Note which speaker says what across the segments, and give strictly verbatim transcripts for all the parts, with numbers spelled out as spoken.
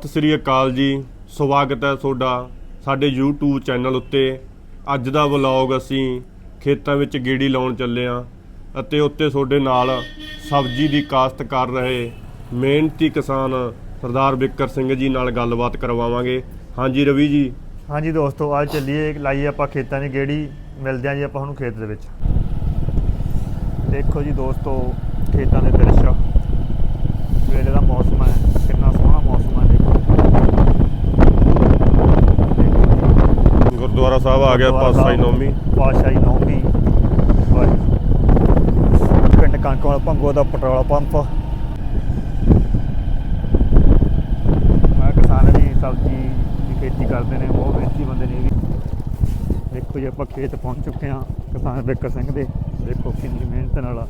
Speaker 1: ਸਤਿ ਸ੍ਰੀ ਅਕਾਲ ਜੀ। ਸਵਾਗਤ ਹੈ ਤੁਹਾਡਾ ਸਾਡੇ YouTube ਚੈਨਲ ਉੱਤੇ। ਅੱਜ ਦਾ ਵਲੌਗ ਅਸੀਂ ਖੇਤਾਂ ਵਿੱਚ ਗੇੜੀ ਲਾਉਣ ਚੱਲੇ ਹਾਂ ਅਤੇ ਉੱਤੇ ਤੁਹਾਡੇ ਨਾਲ ਸਬਜ਼ੀ ਦੀ ਕਾਸ਼ਤ ਕਰ ਰਹੇ ਮਿਹਨਤੀ ਕਿਸਾਨ ਸਰਦਾਰ ਬਿੱਕਰ ਸਿੰਘ ਜੀ ਨਾਲ ਗੱਲਬਾਤ ਕਰਵਾਵਾਂਗੇ। ਹਾਂਜੀ ਰਵੀ ਜੀ।
Speaker 2: ਹਾਂਜੀ ਦੋਸਤੋ, ਅੱਜ ਚੱਲੀਏ ਲਾਈਏ ਆਪਾਂ ਖੇਤਾਂ ਦੀ ਗੇੜੀ। ਮਿਲਦੇ ਹਾਂ ਜੀ ਆਪਾਂ ਹੁਣ ਖੇਤ ਦੇ ਵਿੱਚ। ਦੇਖੋ ਜੀ ਦੋਸਤੋ, ਖੇਤਾਂ ਦੇ ਦ੍ਰਿਸ਼, ਵੇਲੇ ਦਾ ਮੌਸਮ ਹੈ, ਕਿੰਨਾ ਸੋਹਣਾ ਮੌਸਮ ਹੈ। ਦੇਖੋ
Speaker 1: ਗੁਰਦੁਆਰਾ ਸਾਹਿਬ ਆ ਗਿਆ, ਪਾਤਸ਼ਾਹੀ ਨੌਵੀਂ
Speaker 2: ਪਾਤਸ਼ਾਹੀ ਨੌਵੀਂ ਪਿੰਡ ਕਣਕ ਵਾਲਾ ਭੰਗੋ ਦਾ ਪੈਟਰੋਲ ਪੰਪ। ਮੈਂ ਕਿਸਾਨ ਵੀ ਸਬਜ਼ੀ ਦੀ ਖੇਤੀ ਕਰਦੇ ਨੇ, ਬਹੁਤ ਮਿਹਨਤੀ ਬੰਦੇ ਨੇ। ਦੇਖੋ ਜੀ ਆਪਾਂ ਖੇਤ ਪਹੁੰਚ ਚੁੱਕੇ ਹਾਂ ਕਿਸਾਨ ਬਿੱਕਰ ਸਿੰਘ ਦੇ। ਦੇਖੋ ਕਿੰਨੀ ਮਿਹਨਤ ਨਾਲ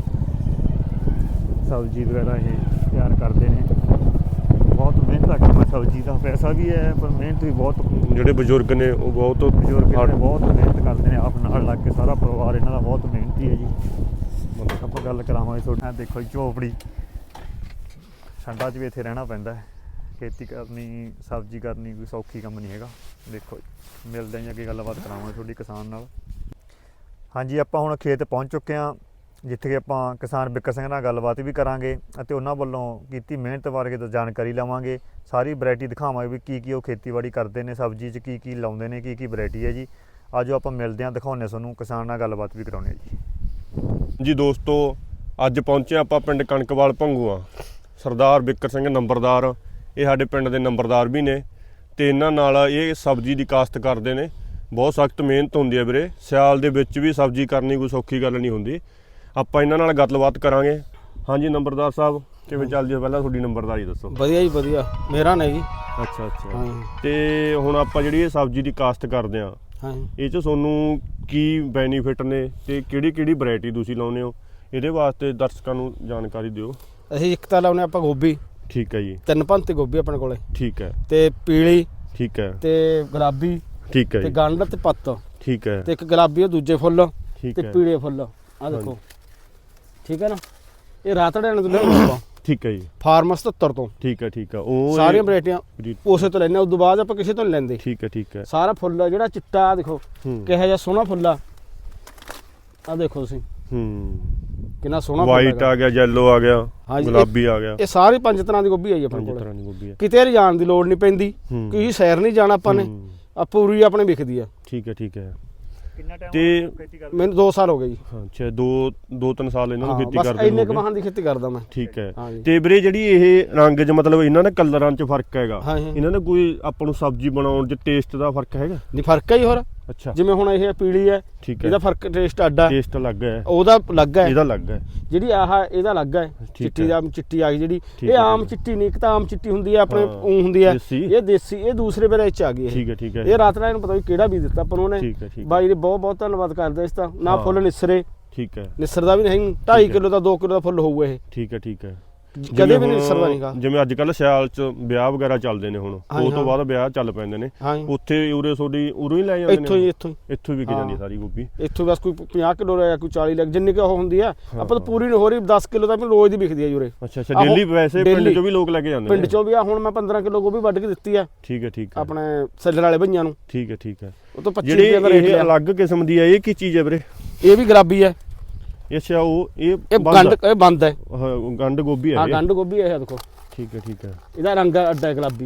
Speaker 2: ਸਬਜ਼ੀ ਵਗੈਰਾ ਇਹ ਤਿਆਰ ਕਰਦੇ ਨੇ। ਬਹੁਤ ਮਿਹਨਤ ਆ ਕੰਮ, ਸਬਜ਼ੀ ਦਾ ਪੈਸਾ ਵੀ ਹੈ ਪਰ ਮਿਹਨਤ ਵੀ ਬਹੁਤ।
Speaker 1: ਜਿਹੜੇ ਬਜ਼ੁਰਗ ਨੇ ਉਹ ਬਹੁਤ
Speaker 2: ਬਜ਼ੁਰਗ ਨੇ ਬਹੁਤ ਮਿਹਨਤ ਕਰਦੇ ਨੇ, ਆਪ ਨਾਲ ਲੱਗ ਕੇ। ਸਾਰਾ ਪਰਿਵਾਰ ਇਹਨਾਂ ਦਾ ਬਹੁਤ ਮਿਹਨਤੀ ਹੈ ਜੀ। ਆਪਾਂ ਗੱਲ ਕਰਾਵਾਂਗੇ ਤੁਹਾਡੇ। ਦੇਖੋ ਜੀ ਝੋਪੜੀ, ਠੰਡਾ 'ਚ ਵੀ ਇੱਥੇ ਰਹਿਣਾ ਪੈਂਦਾ ਹੈ। ਖੇਤੀ ਕਰਨੀ, ਸਬਜ਼ੀ ਕਰਨੀ ਕੋਈ ਸੌਖੀ ਕੰਮ ਨਹੀਂ ਹੈਗਾ। ਦੇਖੋ ਜੀ ਮਿਲਦੇ ਹਾਂ ਅੱਗੇ, ਗੱਲਬਾਤ ਕਰਾਵਾਂਗੇ ਤੁਹਾਡੀ ਕਿਸਾਨ ਨਾਲ। ਹਾਂਜੀ, ਆਪਾਂ ਹੁਣ ਖੇਤ ਪਹੁੰਚ ਚੁੱਕੇ ਹਾਂ, ਜਿੱਥੇ ਕਿ ਆਪਾਂ ਕਿਸਾਨ ਬਿੱਕਰ ਸਿੰਘ ਨਾਲ ਗੱਲਬਾਤ ਵੀ ਕਰਾਂਗੇ ਅਤੇ ਉਹਨਾਂ ਵੱਲੋਂ ਕੀਤੀ ਮਿਹਨਤ ਬਾਰੇ ਤਾਂ ਜਾਣਕਾਰੀ ਲਵਾਂਗੇ। ਸਾਰੀ ਵੈਰਾਈਟੀ ਦਿਖਾਵਾਂਗੇ ਵੀ ਕੀ ਕੀ ਉਹ ਖੇਤੀਬਾੜੀ ਕਰਦੇ ਨੇ, ਸਬਜ਼ੀ 'ਚ ਕੀ ਕੀ ਲਾਉਂਦੇ ਨੇ, ਕੀ ਕੀ ਵੈਰਾਈਟੀ ਹੈ ਜੀ। ਆਜੋ ਆਪਾਂ ਮਿਲਦੇ ਹਾਂ, ਦਿਖਾਉਂਦੇ ਤੁਹਾਨੂੰ, ਕਿਸਾਨ ਨਾਲ ਗੱਲਬਾਤ ਵੀ ਕਰਾਉਂਦੇ ਹਾਂ ਜੀ।
Speaker 1: ਜੀ ਦੋਸਤੋ, ਅੱਜ ਪਹੁੰਚੇ ਆਪਾਂ ਪਿੰਡ ਕਣਕਵਾਲ ਭੰਗੂਆਂ। ਸਰਦਾਰ ਬਿੱਕਰ ਸਿੰਘ ਨੰਬਰਦਾਰ, ਇਹ ਸਾਡੇ ਪਿੰਡ ਦੇ ਨੰਬਰਦਾਰ ਵੀ ਨੇ ਅਤੇ ਇਹਨਾਂ ਨਾਲ ਇਹ ਸਬਜ਼ੀ ਦੀ ਕਾਸ਼ਤ ਕਰਦੇ ਨੇ। ਬਹੁਤ ਸਖਤ ਮਿਹਨਤ ਹੁੰਦੀ ਹੈ ਵੀਰੇ। ਸਿਆਲ ਦੇ ਵਿੱਚ ਵੀ ਸਬਜ਼ੀ ਕਰਨੀ ਕੋਈ ਸੌਖੀ ਗੱਲ ਨਹੀਂ ਹੁੰਦੀ। ਆਪਾਂ ਇਹਨਾਂ ਨਾਲ ਗੱਲਬਾਤ ਕਰਾਂਗੇ। ਹਾਂਜੀ ਨੰਬਰਦਾਰ ਸਾਹਿਬ, ਕਿਵੇਂ ਚੱਲਦੀ ਹੈ? ਪਹਿਲਾਂ ਤੁਹਾਡੀ ਨੰਬਰਦਾਰੀ ਦੱਸੋ।
Speaker 3: ਵਧੀਆ ਜੀ ਵਧੀਆ, ਮੇਰਾ ਨੇ ਜੀ।
Speaker 1: ਅੱਛਾ ਅੱਛਾ। ਤੇ ਹੁਣ ਆਪਾਂ ਜਿਹੜੀ ਇਹ ਸਬਜ਼ੀ ਦੀ ਕਾਸ਼ਤ ਕਰਦੇ ਹਾਂ, ਇਹ 'ਚ ਤੁਹਾਨੂੰ ਕੀ ਬੈਨੀਫਿਟ ਨੇ ਤੇ ਕਿਹੜੀ ਕਿਹੜੀ ਵੈਰਾਈਟੀ ਤੁਸੀਂ ਲਾਉਂਦੇ ਹੋ, ਇਹਦੇ ਵਾਸਤੇ ਦਰਸ਼ਕਾਂ ਨੂੰ ਜਾਣਕਾਰੀ ਦਿਓ।
Speaker 3: ਅਸੀਂ ਇੱਕ ਤਾਂ ਲਾਉਂਦੇ ਆਪਾਂ ਗੋਭੀ।
Speaker 1: ਠੀਕ ਹੈ ਜੀ।
Speaker 3: ਤਿੰਨ ਭੰਤੇ ਗੋਭੀ ਆਪਣੇ ਕੋਲੇ।
Speaker 1: ਠੀਕ ਹੈ।
Speaker 3: ਤੇ ਪੀਲੀ। ਠੀਕ
Speaker 1: ਹੈ।
Speaker 3: ਤੇ ਗੁਲਾਬੀ। ਠੀਕ
Speaker 1: ਹੈ।
Speaker 3: ਤੇ ਗੰਢ ਤੇ ਪੱਤ।
Speaker 1: ਠੀਕ ਹੈ।
Speaker 3: ਤੇ ਇੱਕ ਗੁਲਾਬੀ ਉਹ ਦੂਜੇ ਫੁੱਲ
Speaker 1: ਤੇ
Speaker 3: ਪੀਲੇ ਫੁੱਲ। ਆਹ ਦੇਖੋ, ਠੀਕ ਹੈ ਨਾ। ਇਹ ਰਾਤੜਿਆਂ ਨੂੰ ਲੈਣੇ ਆਪਾਂ।
Speaker 1: ਠੀਕ ਹੈ ਜੀ।
Speaker 3: ਫਾਰਮ ਸਤੱਤਰ ਤੋਂ।
Speaker 1: ਠੀਕ ਹੈ ਠੀਕ ਹੈ। ਉਹ
Speaker 3: ਸਾਰੀਆਂ ਵੈਰਾਈਟੀਆਂ ਉਸੇ ਤੋਂ ਲੈਣੇ, ਉਸ ਤੋਂ ਬਾਅਦ ਆਪਾਂ ਕਿਸੇ ਤੋਂ ਨਹੀਂ ਲੈਂਦੇ।
Speaker 1: ਠੀਕ ਹੈ ਠੀਕ ਹੈ।
Speaker 3: ਸਾਰਾ ਫੁੱਲ ਜਿਹੜਾ ਚਿੱਟਾ, ਆ ਦੇਖੋ ਕਿਹੋ ਜਿਹਾ ਸੋਹਣਾ ਫੁੱਲ ਆ। ਆਹ ਦੇਖੋ ਤੁਸੀਂ,
Speaker 1: ਹੂੰ
Speaker 3: ਕਿੰਨਾ ਸੋਹਣਾ
Speaker 1: ਵਾਈਟ ਆ ਗਿਆ, ਯੈਲੋ ਆ ਗਿਆ, ਗੁਲਾਬੀ ਆ ਗਿਆ।
Speaker 3: ਇਹ ਸਾਰੀ ਪੰਜ ਤਰ੍ਹਾਂ ਦੀ ਗੋਭੀ ਆਈ ਆਪਣੇ ਕੋਲ।
Speaker 1: ਤਰ੍ਹਾਂ ਦੀ ਗੋਭੀ ਹੈ।
Speaker 3: ਕਿਤੇ ਜਾਣ ਦੀ ਲੋੜ ਨਹੀਂ ਪੈਂਦੀ, ਕਿਸੇ ਸੈਰ ਨਹੀਂ ਜਾਣਾ ਆਪਾਂ ਨੇ, ਆ ਪੂਰੀ ਆਪਣੇ ਵਿਕਦੀ ਆ।
Speaker 1: ਠੀਕ ਹੈ ਠੀਕ ਹੈ।
Speaker 2: ਕਿੰਨਾ ਟਾਈਮ
Speaker 1: ਤੇ
Speaker 2: ਖੇਤੀ ਕਰਦੇ?
Speaker 3: ਮੈਨੂੰ ਦੋ ਸਾਲ ਹੋ ਗਏ ਜੀ।
Speaker 1: ਅੱਛਾ, ਦੋ ਦੋ ਤਿੰਨ ਸਾਲ ਇਹਨਾਂ ਨੂੰ ਖੇਤੀ ਕਰਦੇ
Speaker 3: ਬਸ ਇੰਨੇ ਕਮਾਹਾਂ ਦੀ ਖੇਤੀ ਕਰਦਾ ਮੈਂ।
Speaker 1: ਠੀਕ ਹੈ। ਤੇ ਵੀਰੇ ਜਿਹੜੀ ਇਹ ਰੰਗ 'ਚ ਮਤਲਬ ਇਹਨਾਂ ਦੇ ਕਲਰਾਂ 'ਚ ਫਰਕ ਹੈਗਾ,
Speaker 3: ਹਾਂ।
Speaker 1: ਇਹਨਾਂ ਦਾ ਕੋਈ ਆਪਾਂ ਨੂੰ ਸਬਜ਼ੀ ਬਣਾਉਣ 'ਚ ਟੇਸਟ ਦਾ ਫਰਕ ਹੈਗਾ?
Speaker 3: ਨਹੀਂ, ਫਰਕ ਹੈ ਜੀ। ਹੋਰ
Speaker 1: ਅੱਛਾ,
Speaker 3: ਜਿਵੇਂ ਹੁਣ ਇਹ ਪੀਲੀ ਹੈ,
Speaker 1: ਠੀਕ ਹੈ,
Speaker 3: ਇਹਦਾ ਫਰਕ ਟੇਸਟ ਅੱਡਾ,
Speaker 1: ਟੇਸਟ ਅਲੱਗ ਹੈ,
Speaker 3: ਉਹਦਾ ਅਲੱਗ ਹੈ,
Speaker 1: ਇਹਦਾ ਅਲੱਗ ਹੈ।
Speaker 3: ਜਿਹੜੀ ਆਹ ਇਹਦਾ ਅਲੱਗ ਹੈ, ਚਿੱਟੀ ਦਾ ਚਿੱਟੀ ਆ ਗਈ ਜਿਹੜੀ। ਇਹ ਆਮ ਚਿੱਟੀ ਨਹੀਂ, ਇੱਕ ਤਾਂ ਆਮ ਚਿੱਟੀ ਹੁੰਦੀ ਹੈ ਆਪਣੇ ਉਹ ਹੁੰਦੀ ਹੈ, ਇਹ ਦੇਸੀ, ਇਹ ਦੂਸਰੇ ਵੇਲੇ ਚ ਆ ਗਈ।
Speaker 1: ਠੀਕ ਹੈ ਠੀਕ ਹੈ।
Speaker 3: ਇਹ ਰਾਤ ਨੂੰ ਪਤਾ ਵੀ ਕਿਹੜਾ ਬੀਜ ਦਿੱਤਾ ਆਪਾਂ ਨੂੰ ਉਹਨੇ। ਬਾਈ ਜੀ ਬਹੁਤ ਬਹੁਤ ਧੰਨਵਾਦ ਕਰਦੇ ਇਸ ਦਾ। ਨਾ ਫੁੱਲ ਨਿਸਰੇ। ਠੀਕ ਹੈ। ਨਿਸਰਦਾ ਵੀ ਨਹੀਂ, ਢਾਈ ਕਿਲੋ ਦਾ ਦੋ ਕਿਲੋ ਦਾ ਫੁੱਲ ਹੋਊਗਾ ਇਹ। ਠੀਕ ਹੈ ਠੀਕ ਹੈ। ਕਦੇ ਵੀ ਨਹੀਂ ਨਿਸਰਦਾ ਨਹੀਂਗਾ।
Speaker 1: ਜਿਵੇਂ ਅੱਜ ਕੱਲ੍ਹ ਸਿਆਲ 'ਚ ਵਿਆਹ ਵਗੈਰਾ ਚੱਲਦੇ ਨੇ, ਹੁਣ ਉਹ ਤੋਂ ਬਾਅਦ ਵਿਆਹ ਚੱਲ ਪੈਂਦੇ ਨੇ, ਉੱਥੇ ਉਰੇ ਤੁਹਾਡੀ ਉਰੋਂ ਹੀ ਲੈ ਜਾਂਦੇ ਨੇ? ਇੱਥੋਂ ਹੀ ਇੱਥੋਂ ਹੀ ਇੱਥੋਂ ਹੀ ਵਿਕ ਜਾਂਦੀ ਸਾਰੀ ਗੋਭੀ ਇੱਥੋਂ। ਬਸ ਕੋਈ ਪੰਜਾਹ ਕਿਲੋ ਜਾਂ ਕੋਈ ਚਾਲੀ ਲੱਖ ਜਿੰਨੀ ਕਿ ਉਹ ਹੁੰਦੀ ਆ, ਆਪਾਂ ਤਾਂ ਪੂਰੀ ਨਹੀਂ ਹੋ ਰਹੀ। ਦਸ ਕਿਲੋ ਤਾਂ ਰੋਜ਼ ਦੀ ਵਿਕਦੀ ਹੈ ਉਰੇ। ਅੱਛਾ ਅੱਛਾ। ਡੇਲੀ ਵੈਸੇ ਪਿੰਡ 'ਚੋਂ ਵੀ ਲੋਕ ਲੈ ਕੇ ਜਾਂਦੇ ਨੇ? ਪਿੰਡ 'ਚੋਂ ਵੀ ਆ। ਹੁਣ ਮੈਂ ਪੰਦਰਾਂ ਕਿਲੋ ਗੋਭੀ ਵੱਢ ਕੇ ਦਿੱਤੀ ਆ। ਠੀਕ ਹੈ ਠੀਕ ਹੈ। ਆਪਣੇ ਸੱਲਰ ਵਾਲੇ ਭਈਆਂ ਨੂੰ। ਠੀਕ ਹੈ ਠੀਕ ਹੈ। ਉਹ ਤੋਂ ਪੱਚੀ ਰੁਪਏ ਦਾ ਰੇਟ। ਇਹ ਅਲੱਗ ਕਿਸਮ ਦੀ ਹੈ, ਇਹ ਕੀ ਚੀਜ਼ ਹੈ ਵੀਰੇ? ਇਹ ਵੀ ਗੁਲਾਬੀ ਹੈ। ਅੱਛਾ, ਉਹ ਇਹ ਗੰਢ ਇਹ ਬੰਦ ਹੈ, ਗੰਢ ਗੋਭੀ ਹੈ। ਹਾਂ, ਗੰਢ ਗੋਭੀ ਹੈ। ਇਹ ਦੇਖੋ। ਠੀਕ ਹੈ ਠੀਕ ਹੈ। ਇਹਦਾ ਰੰਗ ਅੱਡਾ ਹੈ ਗੁਲਾਬੀ।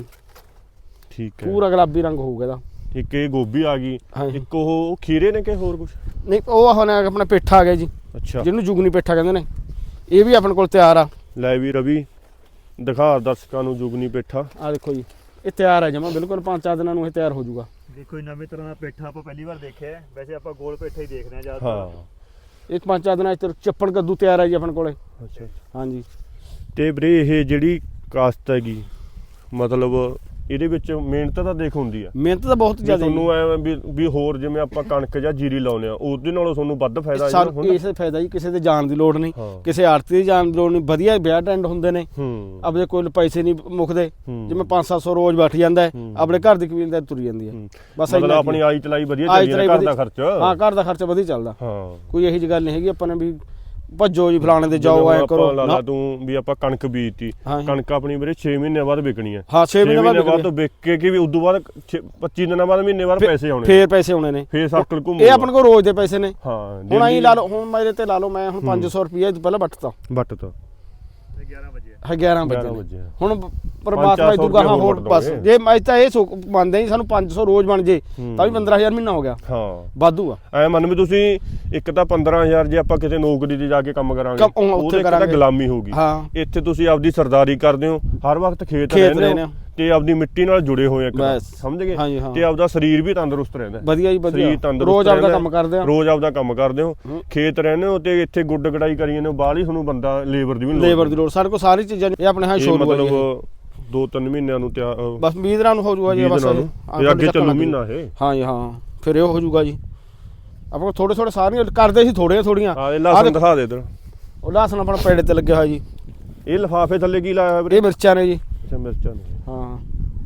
Speaker 1: ਠੀਕ ਹੈ। ਪੂਰਾ ਗੁਲਾਬੀ ਰੰਗ ਹੋਊਗਾ ਇਹਦਾ। ਇੱਕ ਇਹ ਗੋਭੀ ਆ ਗਈ, ਇੱਕ ਉਹ ਖੀਰੇ ਨੇ ਕਿ ਹੋਰ ਕੁਝ? ਨਹੀਂ, ਉਹ ਹੁਣ ਆਪਣਾ ਪੇਠਾ ਆ ਗਿਆ ਜੀ। ਅੱਛਾ, ਜਿਹਨੂੰ ਜੁਗਨੀ ਪੇਠਾ ਕਹਿੰਦੇ ਨੇ। ਇਹ ਵੀ ਆਪਣੇ ਕੋਲ ਤਿਆਰ ਆ। ਲੈ ਵੀ ਰਵੀ, ਦਿਖਾ ਦਰਸ਼ਕਾਂ ਨੂੰ ਜੁਗਨੀ ਪੇਠਾ। ਆ ਦੇਖੋ ਜੀ, ਇਹ ਤਿਆਰ ਹੈ ਜਮਾ ਬਿਲਕੁਲ। ਪੰਜ ਚਾਰ ਦਿਨਾਂ ਨੂੰ ਇਹ ਤਿਆਰ ਹੋ ਜਾਊਗਾ। ਦੇਖੋ ਨਵੇਂ ਤਰ੍ਹਾਂ ਦਾ ਪੇਠਾ ਆਪਾਂ ਪਹਿਲੀ ਵਾਰ ਦੇਖਿਆ। ਵੈਸੇ ਆਪਾਂ ਗੋਲ ਪੇਠਾ ਹੀ ਦੇਖਦੇ ਹਾਂ ਜ਼ਿਆਦਾ। ਇੱਕ ਪੰਜ ਚਾਰ ਦਿਨਾਂ ਚ ਚੱਪਣ ਕੱਦੂ ਤਿਆਰ ਹੈ ਜੀ ਆਪਣੇ ਕੋਲੇ। ਅੱਛਾ ਹਾਂਜੀ। ਤੇ ਵੀਰੇ ਇਹ ਜਿਹੜੀ ਕਾਸ਼ਤ ਹੈਗੀ, ਮਤਲਬ ਇਹਦੇ ਵਿੱਚ ਮਿਹਨਤ ਤਾਂ ਦੇਖ ਹੁੰਦੀ ਆ? ਮਿਹਨਤ ਤਾਂ ਬਹੁਤ ਜ਼ਿਆਦਾ। ਤੁਹਾਨੂੰ ਐ ਵੀ ਹੋਰ ਜਿਵੇਂ ਆਪਾਂ ਕਣਕ ਜਾਂ ਜੀਰੀ ਲਾਉਂਦੇ ਆ, ਉਹਦੇ ਨਾਲੋਂ ਤੁਹਾਨੂੰ ਵੱਧ ਫਾਇਦਾ? ਸਾਨੂੰ ਇਸੇ ਫਾਇਦਾ ਜੀ, ਕਿਸੇ ਦੇ ਜਾਣ ਦੀ ਲੋੜ ਨਹੀਂ, ਕਿਸੇ ਆੜਤੀ ਦੀ ਜਾਣ ਦੀ ਲੋੜ ਨਹੀਂ। ਵਧੀਆ ਵਿਆਹ ਟੈਂਡ ਹੁੰਦੇ ਨੇ, ਆਪਣੇ ਕੋਲ ਪੈਸੇ ਨਹੀਂ ਮੁੱਕਦੇ। ਜਿਵੇਂ ਪੰਜ ਸੱਤ ਸੌ ਰੋਜ਼ ਬੈਠ ਜਾਂਦਾ ਹੈ, ਆਪਣੇ ਘਰ ਦੀ ਕਬੀਲਦਾਰੀ ਤੁਰ ਜਾਂਦੀ ਹੈ। ਬਸ ਆਪਣੀ ਆਈ ਚਲਾਈ ਵਧੀਆ ਚੱਲਦੀ ਹੈ, ਘਰ ਦਾ ਖਰਚ। ਹਾਂ, ਘਰ ਦਾ ਖਰਚਾ ਵਧੀਆ ਚੱਲਦਾ। ਕੋਈ ਇਹੋ ਜਿਹੀ ਗੱਲ ਨਹੀਂ ਹੈਗੀ ਆਪਾਂ ਨੇ ਵੀ
Speaker 3: ਭੱਜੋ ਜੀ ਫਲਾਣੇ ਦੇ ਜਾਓ ਐ ਕਰੋ
Speaker 1: ਲਾ ਲਾ ਤੂੰ ਵੀ ਆਪਾਂ ਕਣਕ ਬੀਜਤੀ ਕਣਕ ਆਪਣੀ ਵੀਰੇ ਛੇ ਮਹੀਨੇ ਬਾਅਦ ਵਿਕਣੀ ਹੈ
Speaker 3: ਹਾਂ ਛੇ ਮਹੀਨੇ
Speaker 1: ਬਾਅਦ ਤੋਂ ਵਿਕ ਕੇ ਕਿ ਵੀ ਉਦੋਂ ਬਾਅਦ ਪੱਚੀ ਦਿਨਾਂ ਬਾਅਦ ਮਹੀਨੇ ਬਾਅਦ ਪੈਸੇ ਆਉਣੇ
Speaker 3: ਫੇਰ ਪੈਸੇ ਆਉਣੇ ਨੇ
Speaker 1: ਫੇਰ ਸਰਕਲ ਘੁੰਮੂ
Speaker 3: ਇਹ ਆਪਣੇ ਕੋਲ ਰੋਜ਼ ਦੇ ਪੈਸੇ ਨੇ
Speaker 1: ਹਾਂ
Speaker 3: ਹੁਣ ਆਈ ਲਾ ਲਓ ਹੁਣ ਮੇਰੇ ਤੇ ਲਾ ਲਓ ਮੈਂ ਹੁਣ ਪੰਜ ਸੌ ਰੁਪਏ ਪਹਿਲਾਂ ਵੱਟਤਾ
Speaker 1: ਵੱਟਤਾ
Speaker 3: ਗਿਆਰਾਂ ਵਜੇ ਹੁਣ ਪਰਮਾਤਮਾ ਇਦੋਂ ਗਾਹਾਂ ਹੋਰ ਬਸ ਜੇ ਮੈਂ ਤਾਂ ਇਹ ਮੰਨਦੇ ਨਹੀਂ ਸਾਨੂੰ ਪੰਜ ਸੌ ਰੋਜ਼ ਬਣ ਜੇ ਤਾਂ ਵੀ ਪੰਦਰਾਂ ਹਜ਼ਾਰ ਮਹੀਨਾ ਹੋ ਗਿਆ
Speaker 1: ਹਾਂ
Speaker 3: ਵਾਧੂ ਆ
Speaker 1: ਐ ਮੰਨ ਵੀ ਤੁਸੀਂ ਇੱਕ ਤਾਂ ਪੰਦਰਾਂ ਹਜ਼ਾਰ ਜੇ ਆਪਾਂ ਕਿਤੇ ਨੌਕਰੀ ਤੇ ਜਾ ਕੇ ਕੰਮ ਕਰਾਂਗੇ ਉਹਦੇ ਇੱਕ ਤਾਂ ਗੁਲਾਮੀ ਹੋਊਗੀ ਇੱਥੇ ਤੁਸੀਂ ਆਪਦੀ ਸਰਦਾਰੀ ਕਰਦੇ ਹੋ ਹਰ ਵਕਤ ਖੇਤ ਰਹਿੰਦੇ ਹੋ ਤੇ ਆਪਦੀ ਮਿੱਟੀ ਨਾਲ ਜੁੜੇ ਹੋਏ ਇੱਕ ਸਮਝ ਗਏ ਤੇ ਆਪਦਾ ਸਰੀਰ ਵੀ ਤੰਦਰੁਸਤ ਰਹਿੰਦਾ
Speaker 3: ਵਧੀਆ ਜੀ ਵਧੀਆ ਰੋਜ਼ ਆਪਦਾ ਕੰਮ ਕਰਦੇ ਹੋ
Speaker 1: ਰੋਜ਼ ਆਪਦਾ ਕੰਮ ਕਰਦੇ ਹੋ ਖੇਤ ਰਹਿੰਦੇ ਹੋ ਤੇ ਇੱਥੇ ਗੁੱਡ ਗੜਾਈ ਕਰੀ ਜਾਂਦੇ ਹੋ ਬਾਹਲੀ ਤੁਹਾਨੂੰ ਬੰਦਾ ਲੇਬਰ ਦੀ ਵੀ
Speaker 3: ਲੇਬਰ ਦੀ ਲੋੜ ਸਾਡੇ ਕੋਲ ਸਾਰੀ ਚੀਜ਼ਾਂ ਇਹ ਆਪਣੇ ਹਾਂ ਸ਼ੋਰ
Speaker 1: ਮਤਲਬ ਦੋ ਤਿੰਨ ਮਹੀਨਿਆਂ ਨੂੰ ਤਿਆਰ
Speaker 3: ਬਸ ਵੀਹ ਦਿਨਾਂ ਨੂੰ ਹੋ ਜਾਊਗਾ ਜੀ ਬਸ
Speaker 1: ਇਹ ਅੱਗੇ ਚੱਲੂ ਮਹੀਨਾ ਇਹ
Speaker 3: ਹਾਂ ਜੀ ਹਾਂ ਫਿਰ ਇਹ ਹੋ ਜਾਊਗਾ ਜੀ ਆਪਾਂ ਥੋੜੇ ਥੋੜੇ ਸਾਰੀਆਂ ਕਰਦੇ ਸੀ ਥੋੜੀਆਂ ਥੋੜੀਆਂ
Speaker 1: ਹਾਂ ਇਹ ਲਸਣ ਦਿਖਾ ਦੇ ਇਧਰ
Speaker 3: ਉਹ ਲਸਣ ਆਪਣਾ ਪੇੜੇ ਤੇ ਲੱਗਿਆ ਹੋਇਆ ਜੀ
Speaker 1: ਇਹ ਲਿਫਾਫੇ ਥੱਲੇ ਕੀ ਲਾਇਆ ਹੋਇਆ
Speaker 3: ਇਹ ਮਿਰਚਾਂ ਨੇ ਜੀ
Speaker 1: ਅੱਛਾ ਮਿਰਚਾਂ ਨੇ
Speaker 3: ਹਾਂ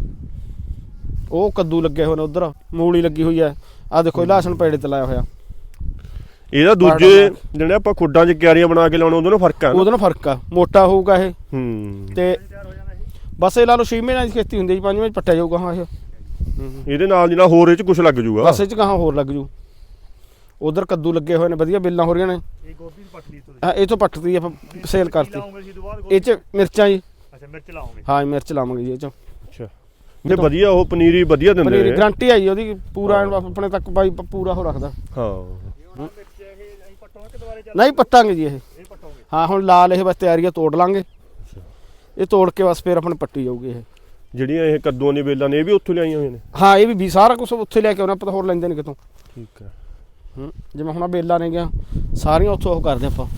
Speaker 3: ਉਹ ਕੱਦੂ ਲੱਗੇ ਹੋਏ ਨੇ ਉਧਰ ਮੂਲੀ ਲੱਗੀ ਹੋਈ ਹੈ ਆ ਦੇਖੋ ਲਸਣ ਪੇੜੇ ਤੇ ਲਾਇਆ ਹੋਇਆ
Speaker 1: ਇਹਦਾ ਦੂਜੇ ਜਿਹੜੇ ਆਪਾਂ ਖੁੱਡਾਂ 'ਚ ਕਿਆਰੀਆਂ ਬਣਾ ਕੇ ਲਾਉਣੇ ਉਹਦੇ ਨਾਲ ਫਰਕ ਆ
Speaker 3: ਉਹਦੇ ਨਾਲ ਫਰਕ ਆ ਮੋਟਾ ਹੋਊਗਾ ਇਹ
Speaker 1: ਹੂੰ
Speaker 3: ਤੇ ਬਸ ਇਹ ਲਾ ਲਓ ਛੇ ਮਹੀਨਿਆਂ ਦੀ ਖੇਤੀ ਹੁੰਦੀ ਜੀ ਪੰਜ ਮਹੀਨੇ ਪੱਟਿਆ ਜਾਊਗਾ ਹਾਂ ਇਹ
Speaker 1: ਇਹਦੇ ਨਾਲ ਜਿਹੜਾ ਹੋਰ ਇਹ 'ਚ ਕੁਝ ਲੱਗ ਜੂਗਾ
Speaker 3: ਬਸ ਇਹ 'ਚ ਕਹਾਂ ਹੋਰ ਲੱਗ ਜੂ ਉਧਰ ਕੱਦੂ ਲੱਗੇ ਹੋਏ ਨੇ ਵਧੀਆ ਬੇਲਾਂ ਹੋ ਰਹੀਆਂ ਨੇ
Speaker 2: ਇਹ ਗੋਭੀ ਪੱਟਦੀ ਤੋਂ
Speaker 3: ਹਾਂ ਇਹ ਤੋਂ ਪੱਟਦੀ ਆਪਾਂ ਸੇਲ ਕਰਤੀ ਇਹ 'ਚ ਮਿਰਚਾਂ ਜੀ
Speaker 2: ਅੱਛਾ ਮਿਰਚ ਲਾਉਂਗੇ ਹਾਂ
Speaker 3: ਮਿਰਚ ਲਾਵਾਂਗੇ ਜੀ ਇਹ 'ਚ
Speaker 1: ਅੱਛਾ ਇਹ ਵਧੀਆ ਉਹ ਪਨੀਰੀ ਵਧੀਆ ਦਿੰਦੇ ਨੇ
Speaker 3: ਪਨੀਰੀ ਗਾਰੰਟੀ ਆਈ ਉਹਦੀ ਪੂਰਾ ਆਪਣੇ ਤੱਕ ਬਾਈ ਪੂਰਾ ਹੋ ਰੱਖਦਾ
Speaker 1: ਹਾਂ
Speaker 3: ਨਹੀਂ ਪੱਟਾਂਗੇ ਜੀ ਇਹ ਹਾਂ ਹੁਣ ਲਾਲ ਇਹ ਬਸ ਤਿਆਰੀ ਆ ਤੋੜ ਲਾਂਗੇ ਇਹ ਤੋੜ ਕੇ ਬਸ ਫਿਰ ਆਪਣੇ ਪੱਟੀ ਜਾਊਗੀ ਇਹ
Speaker 1: ਜਿਹੜੀਆਂ ਇਹ ਕੱਦੂਆਂ ਦੀਆਂ ਬੇਲਾਂ ਨੇ ਇਹ ਵੀ ਉੱਥੋਂ ਲਿਆਈਆਂ ਹੋਈਆਂ ਨੇ
Speaker 3: ਹਾਂ ਇਹ ਵੀ ਸਾਰਾ ਕੁਝ ਉੱਥੇ ਲੈ ਕੇ ਆਉਣਾ ਆਪਾਂ ਹੋਰ ਲੈਂਦੇ ਨੇ ਕਿਤੋਂ
Speaker 1: ਠੀਕ ਹੈ
Speaker 3: ਹੂੰ ਜਿਵੇਂ ਹੁਣ ਬੇਲਾਂ ਨੇ ਗਿਆ ਸਾਰੀਆਂ ਉੱਥੋਂ ਉਹ ਕਰਦੇ ਆਪਾਂ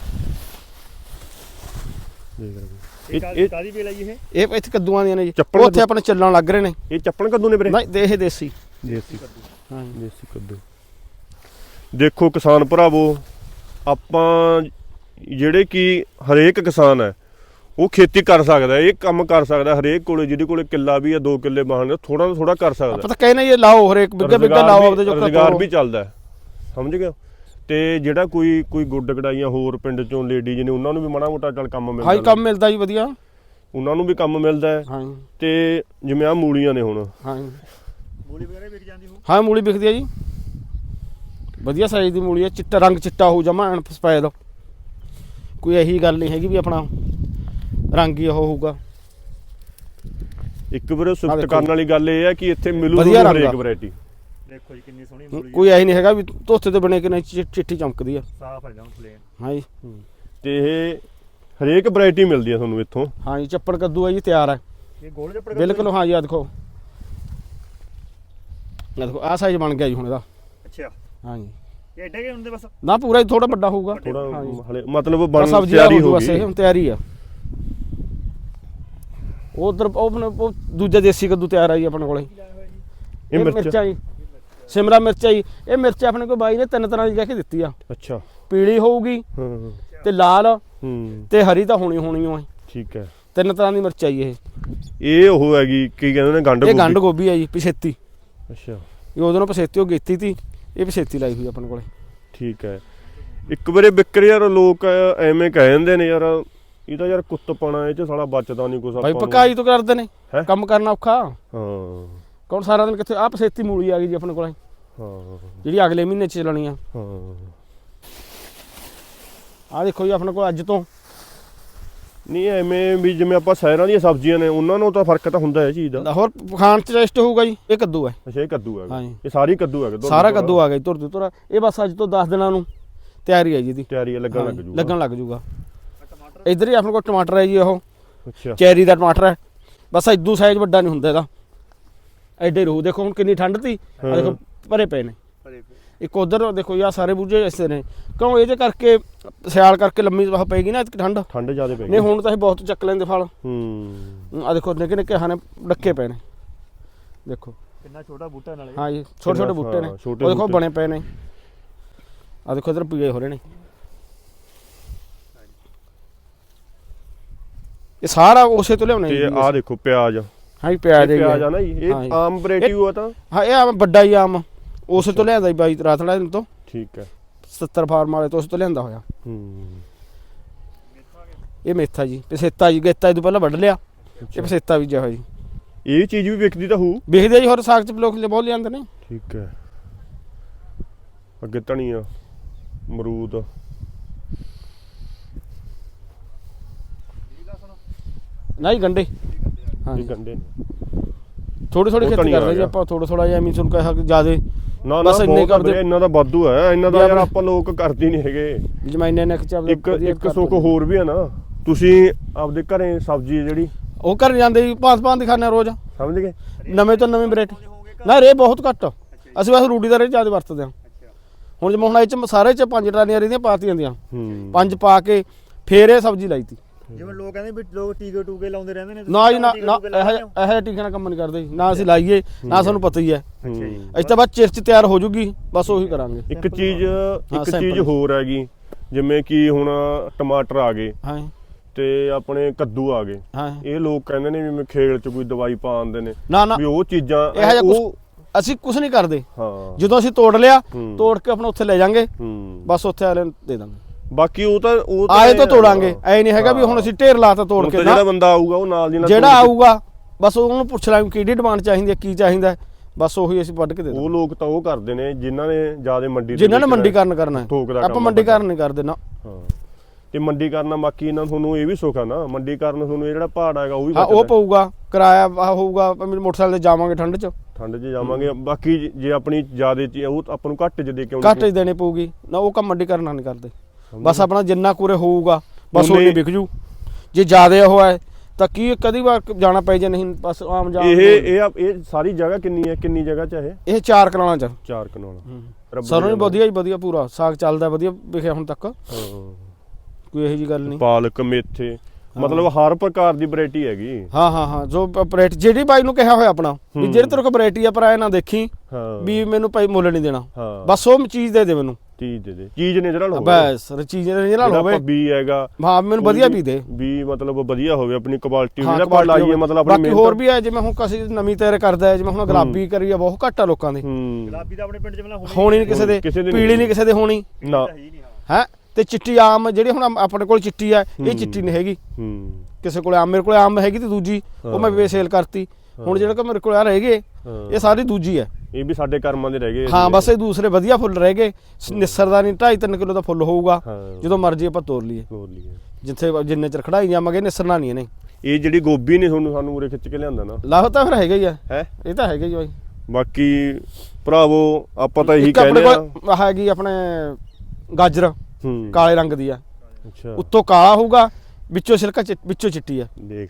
Speaker 2: ਇਹ ਕਾਦੀ ਬੇਲ ਆਈ ਇਹ
Speaker 3: ਇਹ ਇੱਥੇ ਕੱਦੂਆਂ ਦੀਆਂ ਨੇ ਜੀ ਉੱਥੇ ਆਪਣੇ ਚੱਲਣ ਲੱਗ ਰਹੇ ਨੇ
Speaker 1: ਇਹ ਚੱਪਣ ਕੱਦੂ ਨੇ ਵੀਰੇ
Speaker 3: ਨਹੀਂ ਇਹ ਦੇਸੀ
Speaker 1: ਦੇਸੀ ਕੱਦੂ ਹਾਂ ਦੇਸੀ ਕੱਦੂ ਦੇਖੋ ਕਿਸਾਨ ਭਰਾਵੋ ਆਪਾਂ ਜਿਹੜੇ ਕਿ ਹਰੇਕ ਕਿਸਾਨ ਹੈ ਉਹ ਖੇਤੀ ਕਰ ਸਕਦਾ ਇਹ ਕੰਮ ਕਰ ਸਕਦਾ ਹਰੇਕ ਕੋਲੇ ਜਿਹਦੇ ਕੋਲੇ ਕਿੱਲਾ ਵੀ ਆ ਦੋ ਕਿੱਲੇ ਬਾਹਣ ਥੋੜਾ ਥੋੜਾ ਕਰ ਸਕਦਾ
Speaker 3: ਆਪਾਂ ਤਾਂ ਕਹਿੰਦੇ ਇਹ ਲਾਓ ਹਰੇਕ ਬਿੱਗਾ ਬਿੱਗਾ ਲਾਓ ਆਪਦੇ ਜੋ
Speaker 1: ਰੁਜ਼ਗਾਰ ਵੀ ਚੱਲਦਾ ਸਮਝ ਗਏ ਤੇ ਜਿਹੜਾ ਕੋਈ ਕੋਈ ਗੁੱਡ ਗੜਾਈਆਂ ਹੋਰ ਪਿੰਡ ਚੋਂ ਲੇਡੀਜ਼ ਨੇ ਉਹਨਾਂ ਨੂੰ ਵੀ ਮਾੜਾ ਮੋਟਾ ਚੱਲ ਕੰਮ ਮਿਲਦਾ
Speaker 3: ਹਾਂ ਕੰਮ ਮਿਲਦਾ ਜੀ ਵਧੀਆ
Speaker 1: ਉਹਨਾਂ ਨੂੰ ਵੀ ਕੰਮ ਮਿਲਦਾ ਹੈ
Speaker 3: ਹਾਂ
Speaker 1: ਤੇ ਜਿਵੇਂ ਆ ਮੂਲੀਆਂ ਨੇ ਹੁਣ
Speaker 3: ਹਾਂ
Speaker 2: ਮੂਲੀ ਵਗੈਰਾ ਵਿਕ ਜਾਂਦੀ ਹੋ
Speaker 3: ਹਾਂ ਮੂਲੀ ਵਿਕਦੀ ਆ ਜੀ ਵਧੀਆ ਸਾਈਜ਼ ਦੀ ਮੂਲੀ ਆ ਚਿੱਟਾ ਰੰਗ ਚਿੱਟਾ ਹੋ ਜਮਾ ਐਨ ਸਫੈਦ ਕੋਈ ਇਹੀ ਗੱਲ ਨਹੀਂ ਹੈਗੀ ਵੀ ਆਪਣਾ ਰੰਗ ਹੀ ਉਹ ਹੋਊਗਾ
Speaker 1: ਇੱਕ ਵਾਰ ਸੁਪਤ ਕਰਨ ਵਾਲੀ ਗੱਲ ਇਹ ਹੈ ਕਿ ਇੱਥੇ ਮਿਲੂ ਹਰੇਕ ਵੈਰਾਈਟੀ
Speaker 2: ਦੇਖੋ ਜੀ ਕਿੰਨੀ ਸੋਹਣੀ ਮੂਲੀ
Speaker 3: ਕੋਈ ਐ ਨਹੀਂ ਹੈਗਾ ਵੀ ਧੋਤੇ ਤੇ ਬਣੇ ਕਿ ਨਹੀਂ ਚਿੱਟੀ ਚਮਕਦੀ ਆ
Speaker 2: ਸਾਫ ਆ ਜਾਂ ਪਲੇਨ
Speaker 3: ਹਾਂ ਜੀ
Speaker 1: ਤੇ ਇਹ ਹਰੇਕ ਵੈਰਾਈਟੀ ਮਿਲਦੀ ਆ ਤੁਹਾਨੂੰ ਇੱਥੋਂ
Speaker 3: ਹਾਂ ਜੀ ਚੱਪੜ ਕੱਦੂ ਆ ਜੀ ਤਿਆਰ ਹੈ
Speaker 2: ਇਹ ਗੋਲ ਚੱਪੜ
Speaker 3: ਬਿਲਕੁਲ ਹਾਂ ਜੀ ਆ ਦੇਖੋ ਆ ਦੇਖੋ ਆ ਸਾਈਜ਼ ਬਣ ਗਿਆ ਜੀ ਹੁਣ ਇਹਦਾ
Speaker 2: ਅੱਛਾ
Speaker 3: ਹਾਂ ਜੀ
Speaker 2: ਇਹ ਐਡੇ ਕੇ ਹੁੰਦੇ ਬਸ
Speaker 3: ਨਾ ਪੂਰਾ ਹੀ ਥੋੜਾ ਵੱਡਾ ਹੋਊਗਾ
Speaker 1: ਥੋੜਾ ਹਲੇ ਮਤਲਬ ਬਣ
Speaker 3: ਤਿਆਰੀ ਹੋ ਗਈ ਹੁਣ ਤਿਆਰੀ ਆ ਉਧਰ ਉਹ ਦੂਜਾ ਦੇਸੀ ਕੱਦੂ ਤਿਆਰ ਆ ਜੀ ਆਪਣੇ ਕੋਲੇ ਇਹ ਮਿਰਚਾਂ ਜੀ ਸ਼ਿਮਲਾ ਮਿਰਚ ਆਈ ਇਹ ਮਿਰਚ ਆਪਣੇ ਕੋਲ ਬਾਈ ਨੇ ਤਿੰਨ ਤਰ੍ਹਾਂ ਦੀ ਕਹਿ ਕੇ ਦਿੱਤੀ ਆ
Speaker 1: ਅੱਛਾ
Speaker 3: ਪੀਲੀ ਹੋਊਗੀ
Speaker 1: ਹਾਂ
Speaker 3: ਤੇ ਲਾਲ
Speaker 1: ਹੂੰ
Speaker 3: ਤੇ ਹਰੀ ਤਾਂ ਹੋਣੀ ਹੋਣੀ ਓ
Speaker 1: ਠੀਕ ਹੈ
Speaker 3: ਤਿੰਨ ਤਰ੍ਹਾਂ ਦੀ ਮਿਰਚ ਆਈ ਇਹ
Speaker 1: ਇਹ ਉਹ ਹੈਗੀ ਕੀ ਕਹਿੰਦੇ ਨੇ ਗੰਢ ਗੋਭੀ
Speaker 3: ਇਹ ਗੰਢ ਗੋਭੀ ਆ ਜੀ ਪਛੇਤੀ
Speaker 1: ਅੱਛਾ
Speaker 3: ਇਹ ਉਹਦੋਂ ਨਾਲ ਪਛੇਤੀ ਉਹ ਗੇਤੀ ਤੀ ਇਹ ਪਛੇਤੀ ਲਾਈ ਹੋਈ ਆਪਣੇ ਕੋਲੇ
Speaker 1: ਠੀਕ ਹੈ ਇੱਕ ਵਾਰੇ ਵਿਕਰ ਯਾਰ ਲੋਕ ਐਵੇਂ ਕਹਿ ਜਾਂਦੇ ਨੇ ਯਾਰ ਇਹ ਤਾਂ ਯਾਰ ਕੁੱਤ ਪਾਣਾ ਇਹ ਚ ਸਾਲਾ ਬਚਦਾ ਨਹੀਂ ਕੁਛ ਆਪਾਂ
Speaker 3: ਭਾਈ ਪਕਾਈ ਤੋਂ ਕਰਦੇ ਨੇ ਕੰਮ ਕਰਨਾ ਔਖਾ
Speaker 1: ਹਾਂ
Speaker 3: ਕੌਣ ਸਾਰਾ ਦਿਨ ਕਿੱਥੇ ਆ ਪਛੇਤੀ ਮੂਲੀ ਆ ਗਈ ਜੀ ਆਪਣੇ ਕੋਲੇ
Speaker 1: ਹਾਂ
Speaker 3: ਜਿਹੜੀ ਅਗਲੇ ਮਹੀਨੇ ਚ ਚੱਲਣੀ ਆ
Speaker 1: ਹਾਂ
Speaker 3: ਆ ਦੇਖੋ ਜੀ ਆਪਣੇ ਕੋਲ ਅੱਜ ਤੋਂ
Speaker 1: ਨਹੀਂ ਐਵੇਂ ਵੀ ਜਿਵੇਂ ਆਪਾਂ ਸ਼ਹਿਰਾਂ ਦੀਆਂ ਸਬਜ਼ੀਆਂ ਨੇ ਉਹਨਾਂ ਨੂੰ ਤਾਂ ਫਰਕ ਤਾਂ ਹੁੰਦਾ ਹੈ ਚੀਜ਼ ਦਾ
Speaker 3: ਹੋਰ ਖਾਣ ਚ ਟੇਸਟ ਹੋਊਗਾ ਜੀ ਇਹ ਕੱਦੂ ਹੈ
Speaker 1: ਅੱਛਾ ਇਹ ਕੱਦੂ ਹੈ
Speaker 3: ਹਾਂ
Speaker 1: ਇਹ ਸਾਰੀ ਕੱਦੂ ਹੈ
Speaker 3: ਸਾਰਾ ਕੱਦੂ ਆ ਗਿਆ ਤੁਰ ਤੁਰ ਤੁਰ ਇਹ ਬਸ ਅੱਜ ਤੋਂ ਦਸ ਦਿਨਾਂ ਨੂੰ ਤਿਆਰੀ ਹੈ ਜੀ ਦੀ
Speaker 1: ਤਿਆਰੀ ਲੱਗਣ ਲੱਗ ਜੂਗਾ
Speaker 3: ਲੱਗਣ ਲੱਗ ਜੂਗਾ ਇਧਰ ਹੀ ਆਪਣੇ ਕੋਲ ਟਮਾਟਰ ਹੈ ਜੀ ਉਹ
Speaker 1: ਅੱਛਾ
Speaker 3: ਚੈਰੀ ਦਾ ਟਮਾਟਰ ਹੈ ਬਸ ਇਦੋਂ ਸਾਈਜ਼ ਵੱਡਾ ਨਹੀਂ ਹੁੰਦਾ ਇਹਦਾ ਐਡੇ ਰੂਹ ਦੇਖੋ ਹੁਣ ਕਿੰਨੀ ਠੰਡ ਤੀ ਆ ਦੇਖੋ ਭਰੇ ਪਏ ਨੇ ਇੱਕ ਉਧਰ ਦੇਖੋ ਯਾ ਸਾਰੇ ਬੂਝੇ ਐਸੇ ਨੇ ਕਿਉਂ ਇਹਦੇ ਕਰਕੇ ਸਿਆਲ ਕਰਕੇ ਲੰਮੀ ਵਹ ਪਏਗੀ ਨਾ ਠੰਡ
Speaker 1: ਠੰਡ ਜ਼ਿਆਦਾ ਪਏਗੀ
Speaker 3: ਨਹੀਂ ਹੁਣ ਤਾਂ ਇਹ ਬਹੁਤ ਚੱਕ ਲੈਂਦੇ ਫਲ
Speaker 1: ਹੂੰ
Speaker 3: ਆ ਦੇਖੋ ਨਿੱਕੇ ਨਿੱਕੇ ਹਾਨੇ ਡੱਕੇ ਪਏ ਨੇ ਦੇਖੋ
Speaker 2: ਕਿੰਨਾ ਛੋਟਾ ਬੂਟਾ ਨਾਲੇ
Speaker 3: ਹਾਂ ਜੀ ਛੋਟੇ ਛੋਟੇ ਬੂਟੇ ਨੇ ਉਹ ਦੇਖੋ ਬਣੇ ਪਏ ਨੇ ਆ ਦੇਖੋ ਇਧਰ ਪੀਏ ਹੋ ਰਹੇ ਨੇ ਇਹ ਸਾਰਾ ਉਸੇ ਤੋਂ ਲਿਆਉਣੇ
Speaker 1: ਤੇ ਆ ਦੇਖੋ ਪਿਆਜ਼
Speaker 3: ਹਾਂ ਜੀ ਪਿਆਜ਼ ਹੈ
Speaker 1: ਪਿਆਜ਼ ਆ ਨਾ ਜੀ ਇਹ ਆਮ ਵੈਰਾਈਟੀ ਹੋਆ ਤਾਂ
Speaker 3: ਹਾਂ ਇਹ ਆਮ ਵੱਡਾ ਹੀ ਆਮ ਉਸੇ ਤੋਂ ਲਿਆਂਦਾ ਜੀ ਬਾਈ ਰਾਤੜਾ ਦਿਨ ਤੋਂ
Speaker 1: ਠੀਕ ਹੈ
Speaker 3: ਸਤੱਤਰ ਫਾਰਮ ਵਾਲੇ ਤੋਂ ਉਸ ਤੋਂ ਲਿਆਂਦਾ ਹੋਇਆ।
Speaker 1: ਹੂੰ
Speaker 3: ਇਹ ਮੇਥਾ ਜੀ ਪਸੇਤਾ ਜੀ ਗੇਤਾ ਇਹ ਤੋਂ ਪਹਿਲਾਂ ਵੱਢ ਲਿਆ ਇਹ ਪਸੇਤਾ ਬੀਜਿਆ ਹੋਇਆ ਜੀ।
Speaker 1: ਇਹ ਚੀਜ਼ ਵੀ ਵਿਕਦੀ ਤਾਂ ਹੋਊ
Speaker 3: ਵਿਕਦੇ ਜੀ ਹੋਰ ਸਾਗ ਚ ਲੋਕ ਬਹੁਤ ਲਿਆਂਦੇ ਨੇ।
Speaker 1: ਠੀਕ ਹੈ ਅੱਗੇ ਧਨੀਆ ਅਮਰੂਦ
Speaker 3: ਨਹੀਂ ਗੰਡੇ ਹਾਂ
Speaker 1: ਇਹ ਗੰਡੇ ਨੇ
Speaker 3: ਥੋੜੀ ਥੋੜੀ
Speaker 1: ਉਹ
Speaker 3: ਖੇਤੀ
Speaker 1: ਧਨੀਆ
Speaker 3: ਕਰਦੇ ਜੀ
Speaker 1: ਆ
Speaker 3: ਆਪਾਂ ਥੋੜਾ ਥੋੜਾ ਜਿਹਾ ਐਵੇਂ ਸੁਣ ਕੇ ਜਿਆਦੇ
Speaker 1: ਨਾ ਨਾ
Speaker 3: ਬਸ ਇੰਨੇ
Speaker 1: ਬਹੁਤ
Speaker 3: ਕਰਦੇ
Speaker 1: ਵਧੀਆ, ਇਹਨਾਂ ਦਾ ਵਾਧੂ ਹੈ ਇਹਨਾਂ ਦਾ
Speaker 3: ਵੀ
Speaker 1: ਯਾਰ
Speaker 3: ਆਪਣੇ-
Speaker 1: ਆਪਾਂ ਲੋਕ ਕਰਦੇ ਨਹੀਂ ਹੈਗੇ।
Speaker 3: ਜਮਾਈਨੇ ਨੇ ਖਿਚਾ
Speaker 1: ਇੱਕ ਇੱਕ ਸੁੱਖ ਹੋਰ ਵੀ ਹੈ ਨਾ ਤੁਸੀਂ ਆਪਦੇ ਘਰੇ ਸਬਜ਼ੀ ਹੈ ਜਿਹੜੀ
Speaker 3: ਉਹ ਕਰ ਜਾਂਦੇ ਜੀ ਪਾਂਚ ਪਾਂਚ ਦਿਖਾਣੇ ਰੋਜ਼
Speaker 1: ਸਮਝ ਗਏ
Speaker 3: ਨਵੇਂ ਤੋਂ ਨਵੀਂ ਵੈਰਾਈਟੀ ਨਾ ਰੇ ਬਹੁਤ ਘੱਟ ਅਸੀਂ ਬਸ ਰੂੜੀ ਦਾ ਰੇ ਜ਼ਿਆਦਾ ਵਰਤਦੇ ਹਾਂ। ਹੁਣ ਜਿਵੇਂ ਹੁਣ ਇਹ ਚ ਸਾਰੇ ਚ ਪੰਜ ਟਰਾਲੀਆਂ ਰਹਿੰਦੀਆਂ ਪਾਤੀਆਂ ਦੀਆਂ
Speaker 1: ਹੂੰ
Speaker 3: ਪੰਜ ਪਾ ਕੇ ਫੇਰ ਇਹ ਸਬਜ਼ੀ ਲਾਈ ਤੀ।
Speaker 2: ਜਿਵੇਂ ਲੋਕ ਕਹਿੰਦੇ ਵੀ ਲੋਕ ਟੀਕੇ ਟੂਕੇ ਲਾਉਂਦੇ ਰਹਿੰਦੇ ਨੇ
Speaker 3: ਨਾ ਜੀ ਨਾ ਨਾ ਇਹ ਇਹ ਟੀਕੇ ਨਾਲ ਕੰਮ ਨਹੀਂ ਕਰਦੇ ਜੀ। ਨਾ ਅਸੀਂ ਲਾਈਏ ਨਾ ਸਾਨੂੰ ਪਤਾ ਹੀ ਹੈ ਅਸੀਂ ਤਾਂ ਬਸ ਚਿਰ ਚ ਤਿਆਰ ਹੋ ਜੂਗੀ ਬਸ ਉਹੀ ਕਰਾਂਗੇ।
Speaker 1: ਇੱਕ ਚੀਜ਼ ਇੱਕ
Speaker 3: simple।
Speaker 1: ਚੀਜ਼ ਹੋਰ ਹੈਗੀ ਜਿਵੇਂ ਕਿ ਹੁਣ ਟਮਾਟਰ ਆ ਗਏ
Speaker 3: ਹਾਂ
Speaker 1: ਤੇ ਆਪਣੇ ਕੱਦੂ ਆ ਗਏ
Speaker 3: ਹਾਂ
Speaker 1: ਇਹ ਲੋਕ ਕਹਿੰਦੇ ਨੇ ਵੀ ਮੈਂ ਖੇਲ ਚ ਕੋਈ ਦਵਾਈ ਪਾ ਆਂਦੇ ਨੇ
Speaker 3: ਨਾ ਨਾ
Speaker 1: ਵੀ ਉਹ ਚੀਜ਼ਾਂ
Speaker 3: ਇਹ ਜਿਹਾ
Speaker 1: ਉਹ
Speaker 3: ਕੁਛ ਅਸੀਂ ਕੁਝ ਨਹੀਂ ਕਰਦੇ।
Speaker 1: ਹਾਂ
Speaker 3: ਜਦੋਂ ਅਸੀਂ ਤੋੜ ਲਿਆ
Speaker 1: ਹੂੰ।
Speaker 3: ਤੋੜ ਕੇ ਆਪਣਾ ਉੱਥੇ ਲੈ ਜਾਾਂਗੇ
Speaker 1: ਹੂੰ
Speaker 3: ਬਸ ਉੱਥੇ ਵਾਲੇ ਨੂੰ ਦੇ ਦਾਂਗੇ
Speaker 1: ਬਾਕੀ ਉਹ ਤਾਂ ਉਹ
Speaker 3: ਆਏ ਤਾਂ ਤੋੜਾਂਗੇ ਐ ਨਹੀਂ ਹੈਗਾ ਵੀ ਹੁਣ ਅਸੀਂ ਢੇਰ ਲਾਤਾ ਤੋੜ
Speaker 1: ਹੁਣ
Speaker 3: ਕੇ
Speaker 1: ਤਾਂ
Speaker 3: ਨਾ
Speaker 1: ਜਿਹੜਾ ਬੰਦਾ ਆਊਗਾ ਉਹ ਨਾਲ ਦੀ ਨਾਲ
Speaker 3: ਜਿਹੜਾ
Speaker 1: ਤੋੜ ਕੇ-
Speaker 3: ਆਊਗਾ ਬਸ ਉਹਨੂੰ ਪੁੱਛ ਲਾਂਗੇ ਕਿਹੜੀ ਡਿਮਾਂਡ ਚਾਹੀਦੀ ਹੈ ਕੀ ਚਾਹੀਦਾ ਹੈ, ਬਸ ਉਹੀ ਅਸੀਂ ਵੱਢ ਕੇ ਦੇ
Speaker 1: ਉਹ
Speaker 3: ਦਾਂਗੇ।
Speaker 1: ਲੋਕ ਤਾਂ ਉਹ ਕਰਦੇ ਨੇ ਜਿਨ੍ਹਾਂ ਨੇ ਜਿਆਦਾ ਮੰਡੀ
Speaker 3: ਜਿਨ੍ਹਾਂ ਨੇ ਮੰਡੀਕਰਨ ਕਰਨਾ ਹੈ।
Speaker 1: ਥੋਕ ਦਾ
Speaker 3: ਆਪਾਂ
Speaker 1: ਕੰਮ
Speaker 3: ਮੰਡੀਕਰਨ ਨਹੀਂ ਕਰਦੇ ਨਾ।
Speaker 1: ਹਾਂ ਤੇ ਮੰਡੀਕਰਨ ਬਾਕੀ ਇਹਨਾਂ ਤੁਹਾਨੂੰ ਇਹ ਵੀ ਸੁੱਖ ਆ ਨਾ ਮੰਡੀਕਰਨ ਤੁਹਾਨੂੰ ਇਹ ਜਿਹੜਾ ਪਹਾੜ ਹੈਗਾ ਉਹ ਵੀ
Speaker 3: ਹਾਂ ਉਹ
Speaker 1: ਬਚਦਾ
Speaker 3: ਪਊਗਾ ਕਿਰਾਇਆ ਆਹ ਹੋਊਗਾ ਆਪਾਂ ਮੇਰੇ ਮੋਟਰਸਾਈਕਲ ਤੇ ਜਾਵਾਂਗੇ ਠੰਡ 'ਚ
Speaker 1: ਠੰਡ 'ਚ ਜਾਵਾਂਗੇ ਬਾਕੀ ਜੇ- ਜੇ ਆਪਣੀ ਜਿਆਦੇ ਚ ਉਹ ਆਪਾਂ ਨੂੰ ਘੱਟ 'ਚ ਦੇ ਕੇ ਆਉਣੀ
Speaker 3: ਘੱਟ 'ਚ ਦੇਣੀ ਪਊਗੀ ਨਾ ਉਹ ਕੰਮ ਮੰਡੀਕਰਨ ਨਹੀਂ ਕਰਦੇ। ਬਸ ਆਪਣਾ ਜਿੰਨਾ ਕੁਰੇ ਹੋਊਗਾ ਬਸ
Speaker 1: ਉਨੇ-
Speaker 3: ਉਹਨੇ ਵਿਕ ਜੂ ਜੇ ਜ਼ਿਆਦਾ ਉਹ ਹੈ ਤਾਂ ਕੀ ਕਦੀ ਵਾਰ ਜਾਣਾ ਪੈ ਜੇ ਨਹੀਂ ਬਸ ਆਮ ਜਾਣ
Speaker 1: ਇਹ ਇਹ ਆ- ਇਹ ਸਾਰੀ ਜਗ੍ਹਾ ਕਿੰਨੀ ਹੈ ਕਿੰਨੀ ਜਗ੍ਹਾ 'ਚ ਇਹ
Speaker 3: ਇਹ ਚਾਰ ਕਰਾਣਾ ਚ
Speaker 1: ਚਾਰ ਕਨਾਲ ਰੱਬ
Speaker 3: ਸਰੋਂ ਵੀ
Speaker 1: ਦੀ
Speaker 3: ਵਧੀਆ ਹੀ ਵਧੀਆ ਪੂਰਾ ਸਾਗ ਚੱਲਦਾ ਵਧੀਆ ਵਿਖਿਆ ਹੁਣ ਤੱਕ
Speaker 1: ਹਾਂ
Speaker 3: ਕੋਈ ਇਹੋ ਜੀ ਗੱਲ ਨਹੀਂ।
Speaker 1: ਪਾਲਕ ਮੇਥੇ ਮਤਲਬ ਹਰ ਪ੍ਰਕਾਰ ਦੀ ਵੈਰਾਈਟੀ ਹੈਗੀ
Speaker 3: ਹਾਂ ਹਾਂ ਹਾਂ ਜੋ ਆਪਰੇਟ ਜਿਹੜੀ ਬਾਈ ਨੂੰ ਕਿਹਾ ਹੋਇਆ ਆਪਣਾ ਵੀ ਜਿਹੜੇ ਤੇਰੇ ਕੋਲ ਵੈਰਾਈਟੀ ਆ ਪਰ ਐ ਨਾ ਦੇਖੀ
Speaker 1: ਹਾਂ
Speaker 3: ਵੀ ਮੈਨੂੰ ਭਾਈ ਮੁੱਲ ਨਹੀਂ ਦੇਣਾ
Speaker 1: ਹਾਂ
Speaker 3: ਬਸ ਉਹ ਚੀਜ਼ ਦੇ ਦੇ ਮੈਨੂੰ
Speaker 1: ਚੀਜ਼ ਦੇ ਦੇ ਚੀਜ਼ ਨੇ ਜਿਹੜਾ ਹੋਵੇ
Speaker 3: ਬਸ ਚੀਜ਼ ਦੇ ਨਾਲ
Speaker 1: ਜਿਹੜਾ
Speaker 3: ਹੋਵੇ
Speaker 1: ਬੀ ਹੈਗਾ
Speaker 3: ਹਾਂ ਮੈਨੂੰ ਵਧੀਆ ਵੀ ਦੇ
Speaker 1: ਵੀ ਮਤਲਬ ਵਧੀਆ ਹੋਵੇ ਆਪਣੀ ਕੁਆਲਿਟੀ
Speaker 3: ਹਾਂ,
Speaker 1: ਜਿਹੜਾ
Speaker 3: quality
Speaker 1: ਲਾਈਏ
Speaker 3: ਹੋਵੇ।
Speaker 1: ਮਤਲਬ ਆਪਣੀ
Speaker 3: ਬਾਕੀ ਹੋਰ ਵੀ ਹੈ ਜਿਵੇਂ ਹੁਣ ਕਿਸੇ ਨਵੀਂ ਤਿਆਰ ਕਰਦਾ ਹੈ ਜਿਵੇਂ ਹੁਣ ਗੁਲਾਬੀ ਕਰੀ ਆ ਬਹੁਤ ਘੱਟ ਆ ਲੋਕਾਂ ਦੇ
Speaker 1: ਹੂੰ
Speaker 2: ਗੁਲਾਬੀ ਤਾਂ ਆਪਣੇ ਪਿੰਡ 'ਚ ਪਹਿਲਾਂ
Speaker 3: ਹੋਣੀ ਨਹੀਂ ਕਿਸੇ ਦੇ
Speaker 1: ਕਿਸੇ ਦੇ
Speaker 3: ਪੀਲੀ ਨਹੀਂ ਕਿਸੇ ਦੇ ਹੋਣੀ
Speaker 1: ਨਾ
Speaker 3: ਹੈ ਤੇ ਚਿੱਟੀ ਆਮ ਜਿਹੜੀ ਹੁਣ ਆਪਣੇ ਕੋਲ ਚਿੱਟੀ ਆ ਇਹ ਚਿੱਟੀ ਨਹੀਂ ਹੈਗੀ
Speaker 1: ਹੂੰ
Speaker 3: ਕਿਸੇ ਕੋਲ ਆਮ ਮੇਰੇ ਕੋਲ ਆਮ ਹੈਗੀ ਤੇ ਦੂਜੀ ਉਹ ਮੈਂ ਵੇ ਸੇਲ ਕਰਤੀ ਹੁਣ ਜਿਹੜਾ ਕਿ ਮੇਰੇ ਕੋਲ ਆ ਰਹਿ ਗਏ ਇਹ ਸਾਰੀ ਦੂਜੀ ਹੈ
Speaker 1: ਇਹ ਵੀ ਸਾਡੇ ਕਰਮਾਂ ਦੇ ਰਹਿ ਗਏ
Speaker 3: ਹਾਂ ਬਸ ਇਹ ਦੂਸਰੇ ਵਧੀਆ ਫੁੱਲ ਰਹਿ ਗਏ ਨਿਸਰ ਦਾ ਨਹੀਂ ਢਾਈ ਤਿੰਨ ਕਿਲੋ ਦਾ ਫੁੱਲ ਹੋਊਗਾ ਜਦੋਂ ਮਰਜ਼ੀ ਆਪਾਂ ਤੋੜ ਲਈਏ
Speaker 1: ਤੋੜ ਲਈਏ
Speaker 3: ਜਿੱਥੇ ਜਿੰਨੇ ਚਿਰ ਖੜਾਈ ਜਾਵਾਂਗੇ ਨਿਸਰਨਾ ਨਹੀਂ ਇਹਨੇ
Speaker 1: ਇਹ ਜਿਹੜੀ ਗੋਭੀ ਨੇ ਤੁਹਾਨੂੰ ਸਾਨੂੰ ਉਰੇ ਖਿੱਚ ਕੇ ਲਿਆਂਦਾ ਨਾ
Speaker 3: ਲਾਹ ਤਾਂ ਫਿਰ ਹੈਗਾ ਹੀ ਆ
Speaker 1: ਹੈ
Speaker 3: ਇਹ ਤਾਂ ਹੈਗਾ ਹੀ ਬਾਈ
Speaker 1: ਬਾਕੀ ਭਰਾਵੋ ਆਪਾਂ ਤਾਂ ਇਹੀ
Speaker 3: ਇੱਕ ਆਪਣੇ
Speaker 1: ਕਹਿੰਦੇ ਆ
Speaker 3: ਕੋਲ ਹੈਗੀ ਆਪਣੇ ਗਾਜਰ
Speaker 1: ਹੂੰ
Speaker 3: ਕਾਲੇ ਰੰਗ ਦੀ ਆ
Speaker 1: ਅੱਛਾ
Speaker 3: ਉੱਤੋਂ ਕਾਲਾ ਹੋਊਗਾ ਵਿੱਚੋਂ ਸਿਲਕਾ ਚਿ- ਵਿੱਚੋਂ ਚਿੱਟੀ ਆ
Speaker 1: ਦੇਖ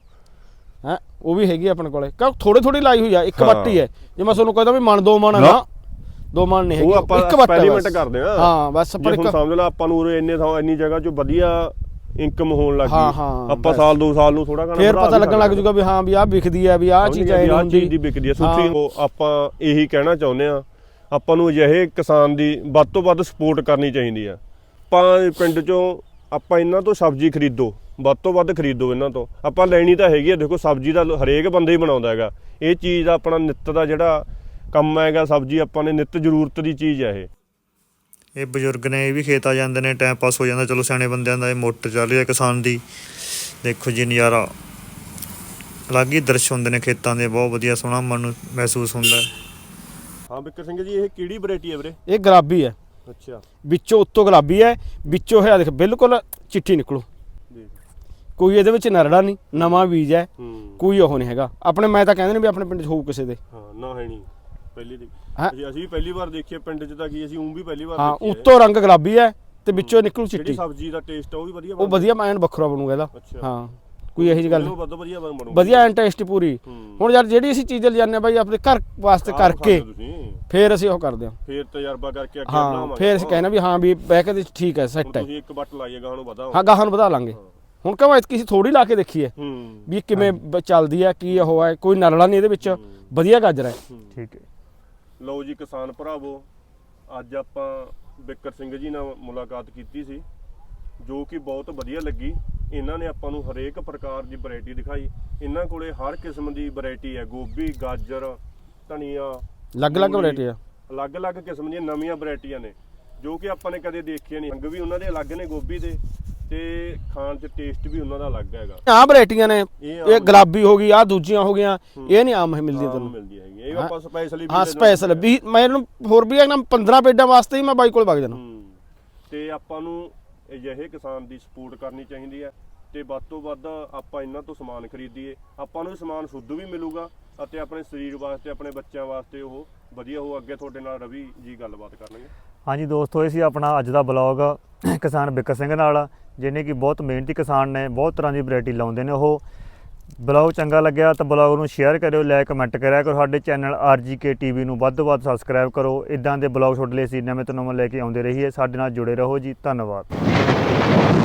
Speaker 3: ਹੈ ਉਹ ਵੀ ਹੈਗੀ ਆਪਣੇ ਕੋਲੇ ਕਿਉਂ ਥੋੜੀ ਥੋੜੀ ਲਾਈ ਹੋਈ ਆ ਇੱਕ
Speaker 1: ਹਾਂ।
Speaker 3: ਵੱਟੀ ਹੈ ਜੇ ਮੈਂ ਤੁਹਾਨੂੰ ਕਹਿੰਦਾ ਵੀ ਮਣ ਦੋ ਮਣ ਆ
Speaker 1: ਨਾ।
Speaker 3: ਨਾ ਦੋ ਮਣ ਨਹੀਂ ਹੈਗੀ
Speaker 1: ਉਹ ਆਪਾਂ
Speaker 3: ਇੱਕ ਵੱਟ ਹੈ
Speaker 1: ਐਕਸਪੈਰੀਮੈਂਟ
Speaker 3: ਬਸ।
Speaker 1: ਕਰਦੇ ਆ
Speaker 3: ਹਾਂ ਬਸ
Speaker 1: ਜੇ
Speaker 3: ਪਰ
Speaker 1: ਹੁਣ
Speaker 3: ਇੱਕ
Speaker 1: ਸਮਝ ਲਾ ਆਪਾਂ ਨੂੰ ਉਰੇ ਇੰਨੇ ਥਾਂ ਇੰਨੀ ਜਗ੍ਹਾ 'ਚੋਂ ਵਧੀਆ ਇਨਕਮ ਹੋਣ ਲੱਗ
Speaker 3: ਹਾਂ,
Speaker 1: ਗਈ
Speaker 3: ਹਾਂ,
Speaker 1: ਆਪਾਂ
Speaker 3: ਬਸ।
Speaker 1: ਸਾਲ ਦੋ ਸਾਲ ਨੂੰ ਥੋੜਾ ਘਣਾ
Speaker 3: ਫੇਰ ਪਤਾ ਲੱਗਣ ਲੱਗ ਜੂਗਾ ਵੀ ਹਾਂ ਵੀ ਆਹ ਵਿਕਦੀ ਆ ਵੀ ਆਹ ਚੀਜ਼ ਐ
Speaker 1: ਆਹ
Speaker 3: ਹੁੰਦੀ
Speaker 1: ਚੀਜ਼ ਦੀ ਵਿਕਦੀ ਆ
Speaker 3: ਹਾਂ।
Speaker 1: ਸੁੱਚੀ ਉਹ ਆਪਾਂ ਇਹੀ ਕਹਿਣਾ ਚਾਹੁੰਦੇ ਆ ਆਪਾਂ ਨੂੰ ਅਜਿਹੇ ਕਿਸਾਨ ਦੀ ਵੱਧ ਤੋਂ ਵੱਧ ਸਪੋਰਟ ਕਰਨੀ ਚਾਹੀਦੀ ਆ ਆਪਾਂ ਪਿੰਡ 'ਚੋਂ ਆਪਾਂ ਇਹਨਾਂ ਤੋਂ ਸਬਜ਼ੀ ਖਰੀਦੋ ਵੱਧ ਤੋਂ ਵੱਧ ਖਰੀਦੋ ਇਹਨਾਂ ਤੋਂ ਆਪਾਂ ਲੈਣੀ ਤਾਂ ਹੈਗੀ ਆ ਦੇਖੋ ਸਬਜ਼ੀ ਦਾ ਹਰੇਕ ਬੰਦਾ ਹੀ ਬਣਾਉਂਦਾ ਹੈਗਾ ਇਹ ਚੀਜ਼ ਦਾ ਆਪਣਾ ਨਿੱਤ ਦਾ ਜਿਹੜਾ ਕੰਮ ਹੈਗਾ ਸਬਜ਼ੀ ਆਪਾਂ ਨੇ ਨਿੱਤ ਜ਼ਰੂਰਤ ਦੀ ਚੀਜ਼ ਹੈ ਇਹ
Speaker 2: ਇਹ ਬਜ਼ੁਰਗ ਨੇ ਇਹ ਵੀ ਖੇਤ ਆ ਜਾਂਦੇ ਨੇ ਟਾਈਮ ਪਾਸ ਹੋ ਜਾਂਦਾ ਚਲੋ ਸਿਆਣੇ ਬੰਦਿਆਂ ਦਾ ਇਹ ਮੋਟਰ ਚੱਲ ਰਹੀ ਹੈ ਕਿਸਾਨ ਦੀ ਦੇਖੋ ਜੀ ਨਜ਼ਾਰਾ ਅਲੱਗ ਹੀ ਦ੍ਰਿਸ਼ ਹੁੰਦੇ ਨੇ ਖੇਤਾਂ ਦੇ ਬਹੁਤ ਵਧੀਆ ਸੋਹਣਾ ਮਨ ਨੂੰ ਮਹਿਸੂਸ ਹੁੰਦਾ
Speaker 1: ਹਾਂ ਬਿੱਕਰ ਸਿੰਘ ਜੀ ਇਹ ਕਿਹੜੀ ਵੈਰਾਈਟੀ ਹੈ ਵੀਰੇ
Speaker 3: ਇਹ ਗੁਲਾਬੀ ਹੈ
Speaker 1: ਅੱਛਾ
Speaker 3: ਵਿੱਚੋਂ ਉੱਤੋਂ ਗੁਲਾਬੀ ਹੈ ਵਿੱਚੋਂ ਹੈ ਦੇਖ ਬਿਲਕੁਲ ਚਿੱਟੀ ਨਿਕਲੂ
Speaker 1: ਦੇਖ
Speaker 3: ਕੋਈ ਇਹਦੇ ਵਿੱਚ ਨਰੜਾ ਨਹੀਂ ਨਵਾਂ ਬੀਜ ਹੈ
Speaker 1: ਹੂੰ
Speaker 3: ਕੋਈ ਉਹ ਨਹੀਂ ਹੈਗਾ ਆਪਣੇ ਮੈਂ ਤਾਂ ਕਹਿੰਦੇ ਨੇ ਵੀ ਆਪਣੇ ਪਿੰਡ 'ਚ ਹੋਊ ਕਿਸੇ ਦੇ
Speaker 1: ਹਾਂ ਨਾ ਹੈ ਨਹੀਂ ਪਹਿਲੀ ਦੀ
Speaker 3: ਹਾਂ।
Speaker 1: ਅਸੀਂ ਅਸੀਂ ਵੀ ਪਹਿਲੀ ਵਾਰ ਦੇਖੀਏ ਪਿੰਡ 'ਚ ਤਾਂ ਕੀ ਅਸੀਂ ਉਂ ਵੀ ਪਹਿਲੀ ਵਾਰ
Speaker 3: ਹਾਂ
Speaker 1: ਦੇਖੀ ਹੈ।
Speaker 3: ਉੱਤੋਂ ਰੰਗ ਗੁਲਾਬੀ ਹੈ ਤੇ ਵਿੱਚੋਂ ਨਿਕਲੂ
Speaker 1: ਜਿਹੜੀ
Speaker 3: ਚਿੱਟੀ
Speaker 1: ਸਬਜ਼ੀ ਦਾ ਟੇਸਟ ਆ ਉਹ ਵੀ ਵਧੀਆ
Speaker 3: ਉਹ ਵਧੀਆ ਐਨ ਵੱਖਰਾ ਬਣੂਗਾ ਇਹਦਾ
Speaker 1: ਅੱਛਾ।
Speaker 3: ਹਾਂ ਕੋਈ ਇਹੋ ਜਿਹੀ ਗੱਲ
Speaker 1: ਇਹਨੂੰ
Speaker 3: ਨਹੀਂ
Speaker 1: ਵੱਧ ਵਧੀਆ ਬਣੂ
Speaker 3: ਵਧੀਆ ਐਨ ਟੇਸਟ ਪੂਰੀ
Speaker 1: ਹੂੰ।
Speaker 3: ਹੁਣ ਯਾਰ ਜਿਹੜੀ ਅਸੀਂ ਚੀਜ਼ ਲਿਜਾਨੇ ਬਾਈ ਆਪਣੇ ਘਰ ਵਾਸਤੇ
Speaker 1: ਆਪ
Speaker 3: ਕਰਕੇ
Speaker 1: ਖਾਂਦੇ ਤੁਸੀਂ,
Speaker 3: ਫੇਰ ਅਸੀਂ ਉਹ ਕਰਦੇ ਹਾਂ
Speaker 1: ਫੇਰ ਤਜਰਬਾ ਕਰਕੇ ਅੱਗੇ
Speaker 3: ਹਾਂ
Speaker 1: ਬਣਾਵਾਂਗੇ
Speaker 3: ਫੇਰ ਅਸੀਂ ਕਹਿਣਾ ਵੀ ਹਾਂ ਵੀ ਬਹਿ ਕੇ ਤੇ ਠੀਕ ਹੈ ਸੈੱਟ ਹੈ
Speaker 1: ਤੁਸੀਂ ਇੱਕ ਬੱਟ ਲਾਈਏ ਗਾਹਾਂ ਨੂੰ ਵਧਾਓ
Speaker 3: ਹਾਂ ਗਾਹਾਂ ਨੂੰ ਵਧਾ ਲਾਂਗੇ ਹੁਣ ਕਹਾਂ ਕਿਸੇ ਥੋੜੀ ਲਾ ਕੇ ਦੇਖੀਏ
Speaker 1: ਹੂੰ
Speaker 3: ਵੀ ਇਹ ਕਿਵੇਂ ਬ- ਚੱਲਦੀ ਹੈ ਕੀ ਉਹ ਹੈ ਕੋਈ ਨਰਲਾ ਨਹੀਂ ਇਹਦੇ ਵਿੱਚ ਵਧੀਆ ਗਾਜਰ ਹੈ
Speaker 2: ਠੀਕ ਹੈ
Speaker 1: ਲਓ ਜੀ ਕਿਸਾਨ ਭਰਾਵੋ ਅੱਜ ਆਪਾਂ ਬਿੱਕਰ ਸਿੰਘ ਜੀ ਨਾਲ ਮੁਲਾਕਾਤ ਕੀਤੀ ਸੀ ਜੋ ਕਿ ਬਹੁਤ ਵਧੀਆ ਲੱਗੀ ਇਹਨਾਂ ਨੇ ਆਪਾਂ ਨੂੰ ਹਰੇਕ ਪ੍ਰਕਾਰ ਦੀ ਵੈਰਾਈਟੀ ਦਿਖਾਈ ਇਹਨਾਂ ਕੋਲੇ ਹਰ ਕਿਸਮ ਦੀ ਵੈਰਾਈਟੀ ਹੈ ਗੋਭੀ ਗਾਜਰ ਧਨੀਆ
Speaker 3: ਅਲੱਗ-ਅਲੱਗ
Speaker 1: ਮੂਲੀ,
Speaker 3: ਵੈਰਾਈਟੀ ਆ
Speaker 1: ਅਲੱਗ-ਅਲੱਗ ਕਿਸਮ ਦੀਆਂ ਨਵੀਆਂ ਵੈਰਾਈਟੀਆਂ ਨੇ ਜੋ ਕਿ ਆਪਾਂ ਨੇ ਕਦੇ ਦੇਖਿਆ ਨਹੀਂ। ਰੰਗ ਵੀ ਉਹਨਾਂ ਦੇ ਅਲੱਗ ਨੇ ਗੋਭੀ ਦੇ, ਤੇ ਖਾਣ 'ਚ ਟੇਸਟ ਵੀ ਉਹਨਾਂ ਦਾ ਅਲੱਗ ਹੈਗਾ।
Speaker 3: ਆਹ ਵੈਰਾਈਟੀਆਂ ਨੇ, ਇਹ ਗੁਲਾਬੀ ਹੋ ਗਈ, ਆਹ ਦੂਜੀਆਂ ਹੋ ਗਈਆਂ, ਇਹ ਨਹੀਂ ਆਮ ਮਿਲਦੀਆਂ ਤੁਹਾਨੂੰ।
Speaker 1: ਮਿਲਦੀ ਹੈਗੀ ਇਹ ਆਪਾਂ ਸਪੈਸ਼ਲੀ
Speaker 3: ਹਾਂ ਸਪੈਸ਼ਲ ਵੀ ਮੈਨੂੰ ਹੋਰ ਵੀ ਨਾ ਪੰਦਰਾਂ ਪੇਡਾਂ ਵਾਸਤੇ ਹੀ ਮੈਂ ਬਾਈ ਕੋਲ ਵਗ ਜਾਣਾ।
Speaker 1: ਤੇ ਆਪਾਂ ਨੂੰ ਅਜਿਹੇ ਕਿਸਾਨ ਦੀ ਸਪੋਰਟ ਕਰਨੀ ਚਾਹੀਦੀ ਹੈ ਤੇ ਵੱਧ ਤੋਂ ਵੱਧ ਆਪਾਂ ਇਹਨਾਂ ਤੋਂ ਸਮਾਨ ਖਰੀਦੀਏ। ਆਪਾਂ ਨੂੰ ਸਮਾਨ ਸ਼ੁੱਧ ਵੀ ਮਿਲੂਗਾ ਅਤੇ ਆਪਣੇ ਸਰੀਰ ਵਾਸਤੇ, ਆਪਣੇ ਬੱਚਿਆਂ ਵਾਸਤੇ ਉਹ ਵਧੀਆ ਹੋ। ਅੱਗੇ ਤੁਹਾਡੇ ਨਾਲ ਰਵੀ ਜੀ ਗੱਲਬਾਤ ਕਰਨਗੇ।
Speaker 2: ਹਾਂਜੀ ਦੋਸਤੋ, ਇਹ ਸੀ ਆਪਣਾ ਅੱਜ ਦਾ ਬਲੌਗ ਕਿਸਾਨ ਬਿੱਕਰ ਸਿੰਘ ਨਾਲ, ਜਿਹਨੇ ਕਿ ਬਹੁਤ ਮਿਹਨਤੀ ਕਿਸਾਨ ਨੇ, ਬਹੁਤ ਤਰ੍ਹਾਂ ਦੀ ਵੈਰਾਈਟੀ ਲਾਉਂਦੇ ਨੇ ਉਹ। ਬਲੌਗ ਚੰਗਾ ਲੱਗਿਆ ਤਾਂ ਬਲੌਗ ਨੂੰ ਸ਼ੇਅਰ ਕਰਿਓ, ਲਾਈਕ ਕਮੈਂਟ ਕਰਿਆ ਕਰੋ। ਸਾਡੇ ਚੈਨਲ ਆਰ ਜੀ ਕੇ ਟੀ ਵੀ ਨੂੰ ਵੱਧ ਤੋਂ ਵੱਧ ਸਬਸਕ੍ਰਾਈਬ ਕਰੋ। ਇਦਾਂ ਦੇ ਬਲੌਗ ਤੁਹਾਡੇ ਲਈ ਅਸੀਂ ਨਵੇਂ ਤੋਂ ਨਵੇਂ ਲੈ ਕੇ ਆਉਂਦੇ ਰਹੀਏ। ਸਾਡੇ ਨਾਲ ਜੁੜੇ ਰਹੋ ਜੀ, ਧੰਨਵਾਦ।